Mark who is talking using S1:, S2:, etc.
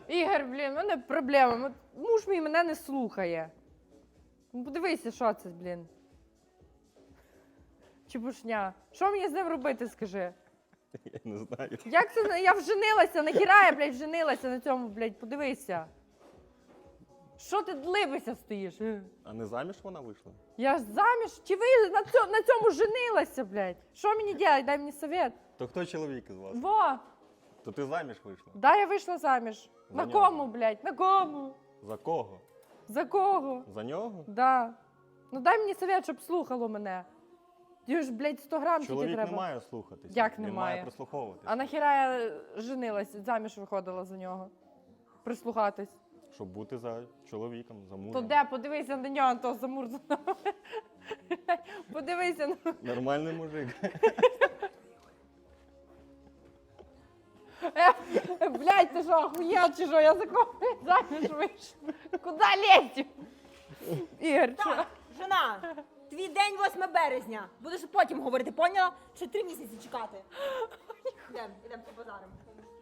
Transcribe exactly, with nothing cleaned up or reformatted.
S1: Ігор, блін, в мене проблема. Муж мій мене не слухає. Ну, подивися, що це, блін. Чепушня. Що мені з ним робити, скажи?
S2: Я не знаю.
S1: Як це? Я вженилася, нахіра я, блядь, вженилася на цьому, блядь, подивися. Що ти длибися стоїш?
S2: А не заміж вона вийшла?
S1: Я ж заміж? Чи ви на цьому, на цьому женилася, блядь? Що мені робити? Дай мені совет.
S2: То хто чоловік із вас?
S1: Во!
S2: То ти заміж вийшла?
S1: Да, я вийшла заміж.
S2: За
S1: На
S2: нього?
S1: кому, блядь? На кому?
S2: За кого?
S1: За кого?
S2: За нього?
S1: Да. Ну дай мені совет, щоб слухало мене. Ти ж, блядь, сто грам тільки
S2: Чоловік
S1: треба.
S2: не має слухатися.
S1: Як
S2: Він
S1: не
S2: має
S1: має?
S2: прислуховуватися.
S1: А нахіра я женилась, заміж виходила за нього. Прислухатись.
S2: Щоб бути за чоловіком, за мужем.
S1: То де, подивися на нього, то замурзано. Подивися на...
S2: Нормальний мужик.
S1: Е, блядь, ти що, охуєл чи що? Я за кого заміж вийшла? Куди лезть? Ігор, що?
S3: Так, жена, твій день восьме березня. Будеш потім говорити, поняла? Ще три місяці чекати. Ідемо, ідемо по базарам.